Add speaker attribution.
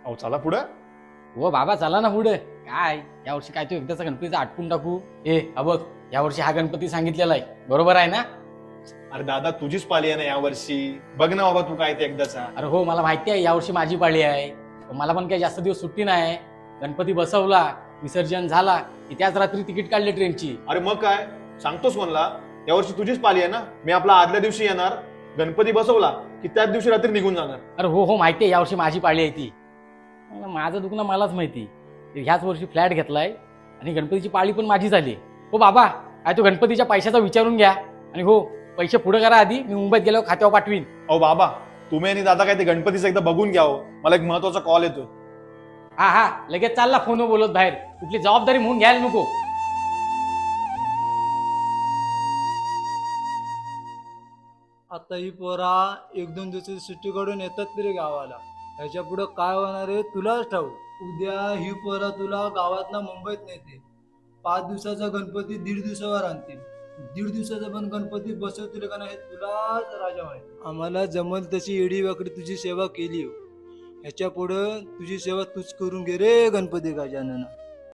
Speaker 1: अहो चला पुढं.
Speaker 2: हो बाबा चला ना पुढे. काय यावर्षी काय तू एकदाचा गणपतीचा आटपून टाकू. बघ यावर्षी हा गणपती सांगितलेला आहे, बरोबर आहे ना?
Speaker 1: अरे दादा तुझीच पाली आहे ना यावर्षी, बघ ना बाबा तू काय ते एकदाचा.
Speaker 2: अरे हो मला माहिती आहे यावर्षी माझी पाळी आहे. मला पण काही जास्त दिवस सुट्टी नाही. गणपती बसवला, विसर्जन झाला की त्याच रात्री तिकीट काढले ट्रेनची.
Speaker 1: अरे मग काय सांगतोस कोणला, यावर्षी तुझीच पाली आहे ना. मी आपला आदल्या दिवशी येणार, गणपती बसवला की त्याच दिवशी रात्री निघून जाणार.
Speaker 2: अरे हो हो माहिती आहे यावर्षी माझी पाळी आहे ती. माझं दुखणं मलाच माहिती. ह्याच वर्षी फ्लॅट घेतलाय आणि गणपतीची पाळी पण माझी झाली. हो बाबा काय तो गणपतीच्या पैशाचा विचारून घ्या. आणि हो पैसे पुढे करा आधी, मी मुंबईत गेल्यावर खात्यावर पाठवीन.
Speaker 1: अहो बाबा तुम्ही आणि दादा काय ते गणपतीचं एकदा बघून घ्या हो. मला एक महत्वाचा कॉल येतोय.
Speaker 2: हा हा लगेच चालला फोनवर बोलत बाहेर. कुठली जबाबदारी म्हणून घ्यायला नको.
Speaker 3: आता ही पोरा एक दोन दिवसाची सुट्टी काढून येतात तरी गावाला. ह्याच्या पुढं काय होणार आहे तुलाच ठाऊक. उद्या ही पोरा तुला गावातना मुंबईत नेते. 5 दिवसाचा गणपती 1.5 दिवसावर आणतील. 1.5 दिवसाचा पण गणपती बसवतील का नाही तुलाच राजा माहिती. आम्हाला जमल तशी एडी वाकडी तुझी सेवा केली हो. ह्याच्या पुढं तुझी सेवा तूच करून घे रे गणपती गजानना.